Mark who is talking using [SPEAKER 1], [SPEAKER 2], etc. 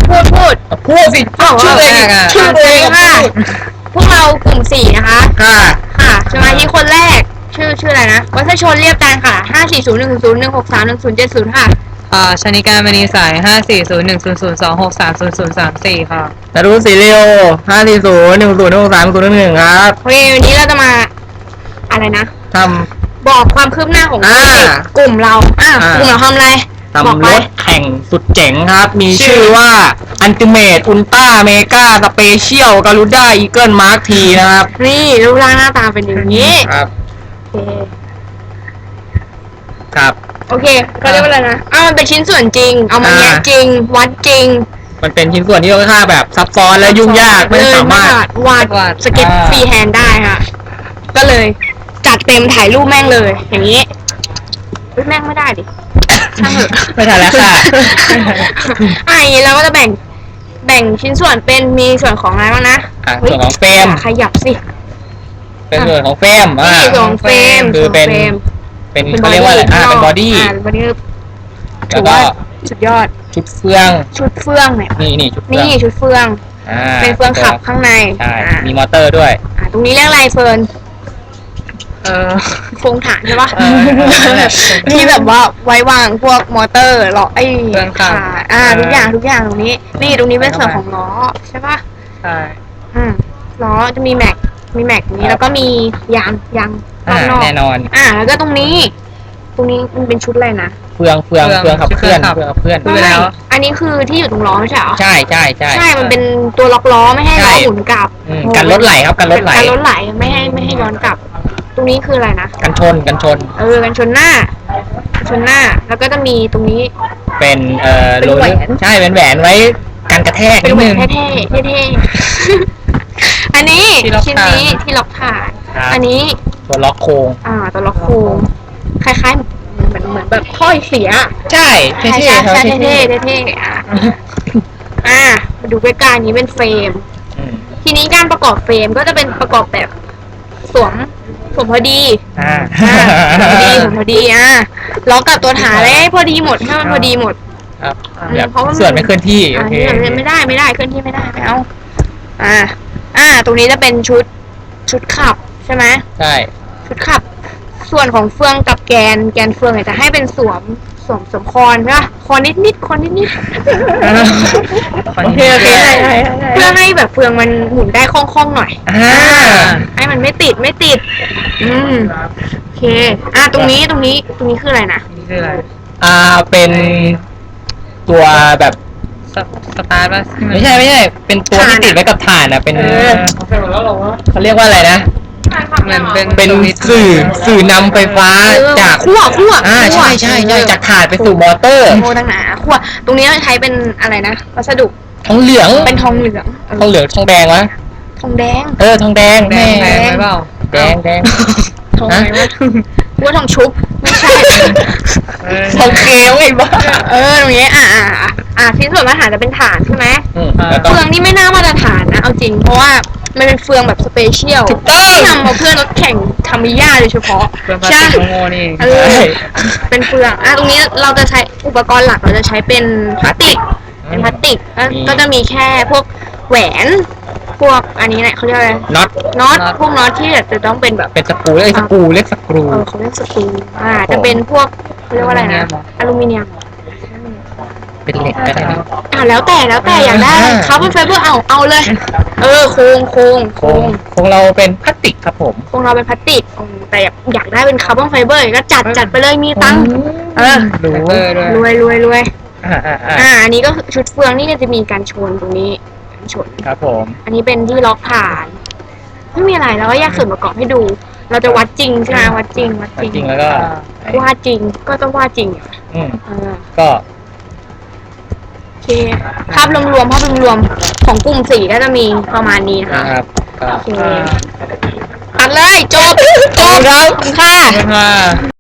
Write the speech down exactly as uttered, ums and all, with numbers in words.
[SPEAKER 1] พูดพูด
[SPEAKER 2] พูดสิชื่อเองชื่อเองค่ะ
[SPEAKER 1] พวกเรากลุ่มสี่นะคะ
[SPEAKER 2] ค่ะ
[SPEAKER 1] ค่ะสมาชิกคนแรกชื่อชื่ออะไรนะวัชชนเรียบจานค่ะห้าสี่ศูนย์หนึ่งศูนย์หนึ่งหกสามหนึ่งศูนย์เจ็ดศูนย์ค่ะ
[SPEAKER 3] อ่าชนิการมณีสายห้าสี่ศูนย์หนึ่งศูนย์ศูนย์สองหกสามศูนย์ศูนย์สามสี่ค่ะ
[SPEAKER 2] นารุสีเรียวห้าสี่ศูนย์หนึ่งศูนย์หกสามศูนย์หนึ่งครับ
[SPEAKER 1] โอเควันนี้เราจะมาอะไรนะ
[SPEAKER 2] ท
[SPEAKER 1] ำบอกความคืบหน้าของกลุ่มเราอ่ากลุ่มเราทำอะไร
[SPEAKER 2] ทำรถแข่งสุดเจ๋งครับมีชื่อว่าอันติเมตอุลตร้าเมกาสเปเชียลกาลูด้าอีเกิลมาร์คทีนะครับ
[SPEAKER 1] นี่รูปร่างหน้าตาเป็นอย่างนี้
[SPEAKER 2] ครับ
[SPEAKER 1] โอเค
[SPEAKER 2] ครับ
[SPEAKER 1] โอเคก็เรียกว่าอะไรนะอ้าวมันเป็นชิ้นส่วนจริงเอามาแยกจริงวัดจริง
[SPEAKER 2] มันเป็นชิ้นส่วนที่ค่อนข้างแบบซับซ้อนและยุ่งยากไม่สามารถ
[SPEAKER 1] วาดสเก็ตฟรีแฮนด์ได้ค่ะก็เลยจัดเต็มถ่ายรูปแม่งเลยอย่างนี้แม่งไม่ได้ดิช่างเถอะ
[SPEAKER 2] ไม่ทันแล้วค่ะ
[SPEAKER 1] อ่ะอย่างนี้เราก็จะแบ่งแบ่งชิ้นส่วนเป็นมีส่วนของอะไรบ้างนะ
[SPEAKER 2] ส่วนของเฟรม
[SPEAKER 1] ขยับสิ
[SPEAKER 2] เป็นส่วนของเฟรม
[SPEAKER 1] นี่ส่วนของเฟรม
[SPEAKER 2] คือเป็นเป็นเขาเรียกว่าอะไรอ่าเป็นบอดี้
[SPEAKER 1] บอดี้
[SPEAKER 2] แล้วก็
[SPEAKER 1] สุดยอด
[SPEAKER 2] ชุดเฟือง
[SPEAKER 1] ชุดเฟืองเนี่ย
[SPEAKER 2] นี่นี่ชุดเฟื
[SPEAKER 1] องนี่ชุดเฟืองเป็นเฟืองขับข้างใน
[SPEAKER 2] ใช่มีมอเตอร์ด้วย
[SPEAKER 1] อ่าตรงนี้เรียกอะไรเฟิร์น
[SPEAKER 3] เออ
[SPEAKER 1] โครงฐานใช่ปะที่แบบว่าไว้วางพวกมอเตอร์หรอไอ้ขาอ่าทุกอย่างทุกอย่างตรงนี้นี่ตรงนี้เป็นส่วนของล้อใช่ปะ
[SPEAKER 3] ใช่
[SPEAKER 1] อืมล้อจะมีแม็กมีแม็กนี้แล้วก็มียางยาง
[SPEAKER 2] รอบนอกแน่นอน
[SPEAKER 1] อ่าแล้วก็ตรงนี้ตรงนี้มันเป็นชุดอะไรนะ
[SPEAKER 2] เฟืองเฟืองเฟืองขับเคลื่อนเฟืองขับเคลื่อน
[SPEAKER 1] ไปแล้วอันนี้คือที่อยู่ตรงล้อไม่ใช่เหรอ
[SPEAKER 2] ใช่ใช่ใช่
[SPEAKER 1] ใช่มันเป็นตัวล็อกล้อไม่ให้ล้อหมุนกลับ
[SPEAKER 2] กันรถไหลครับกันรถไหล
[SPEAKER 1] กันรถไหลไม่ให้ไม่ให้ย้อนกลับตรงนี้คืออะไรนะ
[SPEAKER 2] กันชนกันชน
[SPEAKER 1] เออกันชนหน้าชนหน้าแล้วก็จะมีตรงนี้
[SPEAKER 2] เป็นเอ่อ
[SPEAKER 1] โหวน
[SPEAKER 2] ใช่เป็นแหวนไว้กันกระแทก
[SPEAKER 1] เป็นแหวนเท่ๆเท่ๆอันนี้ชิ้นนี้ที่ล็อกฐานอันนี้
[SPEAKER 2] ตัวล็อกโค้ง
[SPEAKER 1] อ่าตัวล็อกโค้งคล้ายๆเหมือนเหมือนแบบถ้อยเสีย
[SPEAKER 2] ใช่เท่ๆ
[SPEAKER 1] ใช่ใช่เท่ๆเท่ๆอ่ะอ่ามาดูใกล้ๆนี้เป็นเฟรมทีนี้การประกอบเฟรมก็จะเป็นประกอบแบบสวมสวมพอดี
[SPEAKER 2] อ่า
[SPEAKER 1] พอดีพอดีอ่ะล็อกกับตัวฐานเลยพอดีหมดให้มันพอดีหมด
[SPEAKER 2] ครับเพราะว่าส่วนไม่เคลื่อนที่โอเค
[SPEAKER 1] ไม่ได้ไม่ได้เคลื่อนที่ไม่ได้ไม่เอาอ่าอ่าตรงนี้จะเป็นชุดชุดขับใช่ไหม
[SPEAKER 2] ใช่
[SPEAKER 1] ชุดขับส่วนของเฟืองกับแกนแกนเฟืองเนี่ยจะให้เป็นสวมสวมสวมคอนใช่ไหมคอนนิดนิดคอนนิดนิดโอเคโอเคเพื่อให้แบบเฟืองมันหมุนได้คล่องๆหน่อยให้มันไม่ติดไม่ติดอืมโอเคอ่ะตรงนี้ตรงนี้ตรงนี้คืออะไรนะ
[SPEAKER 3] คืออะไร
[SPEAKER 2] อ่าเป็นตัวแบบ
[SPEAKER 3] สตาร์ทป่ะ
[SPEAKER 2] ไม่ใช่ไม่ใช่เป็นตัวที่ติดไว้กับฐานอ่ะเป็นเขาเรียกว่าอะไรนะ
[SPEAKER 3] มันเป็น
[SPEAKER 2] เป็นสื่อสื่อนำไฟฟ้าจาก
[SPEAKER 1] ขั้วขั้ว
[SPEAKER 2] อ่าใช่ใช่ใช่จากฐานไปสู่มอเตอร์
[SPEAKER 1] โอ้ตั้งหนาขั้วตรงนี้ใช้เป็นอะไรนะวัสดุ
[SPEAKER 2] ทองเหลือง
[SPEAKER 1] เป็นทองเหลือง
[SPEAKER 2] ทองเหลืองทองแดงวะ
[SPEAKER 1] ทองแดง
[SPEAKER 2] เออทองแดง
[SPEAKER 3] แดงแดงไหมเปล่า
[SPEAKER 2] แดงแดง
[SPEAKER 1] ทองอะไรวะว่าทองชุบไม่ใช่
[SPEAKER 2] ทองเคลไอ้บ้า
[SPEAKER 1] เออตรงนี้อ่าอ่าอ่าชิ้นส่วนมาตรฐานจะเป็นฐานใช่ไหมเฟืองนี่ไม่น่ามาตรฐานนะเอาจริงเพราะว่ามันเป็นเฟืองแบบสเปเชียลที่ทำมาเพื่อรถแข่งทามิยาโดยเฉพาะ
[SPEAKER 3] ใช่เอ
[SPEAKER 1] อเป็นเฟืองอ่ะตรงนี้เราจะใช้อุปกรณ์หลักเราจะใช้เป็นพลาสติกเป็นพลาสติกก็จะมีแค่พวกแหวนพวกอันนี้เนี่ยเขาเรียกอะไร
[SPEAKER 2] น็อต
[SPEAKER 1] น็อตพวกน็อตที่จะต้องเป็นแบบ
[SPEAKER 2] เป็นสกรูเรียกสกรูเรียกสกรู
[SPEAKER 1] เออเขาเรียกสกรูอ่าจะเป็นพวกเขาเรียกว่าอะไรนะอลูมิเนียม
[SPEAKER 2] เป็นเหล็กก็ได้
[SPEAKER 1] อ่าแล้วแต่แล้วแต่อยากได้คาร์บอนไฟเบอร์เอาเอาเลยเออโครงโครง
[SPEAKER 2] โครงโครงเราเป็นพลาสติกครับผม
[SPEAKER 1] โครงเราเป็นพลาสติกแต่อยากอยากได้เป็นคาร์บอนไฟเบอร์ก็จัดจัดไปเลยมีตังค์เออรวยรวยรวย
[SPEAKER 2] อ่าอ่า
[SPEAKER 1] อ่าอันนี้ก็ชุดเฟืองนี่จะมีการชนตรงนี้การชน
[SPEAKER 2] ครับผม
[SPEAKER 1] อันนี้เป็นที่ล็อกฐานไม่มีอะไรแล้วก็แยกส่วนประกอบให้ดูเราจะวัดจริงใช่ไหมวัดจริงวัด
[SPEAKER 2] จริงแล้วก็
[SPEAKER 1] วาดจริงก็ต้องวาดจริง
[SPEAKER 2] อืมก็
[SPEAKER 1] โอเคภาพรวมๆภาพรวมๆของกลุ่มสี่ก็จะมีประมาณนี้นะคะ
[SPEAKER 2] โอเค
[SPEAKER 1] ตัดเลยจบจบ
[SPEAKER 2] ครับ
[SPEAKER 1] ค่ะ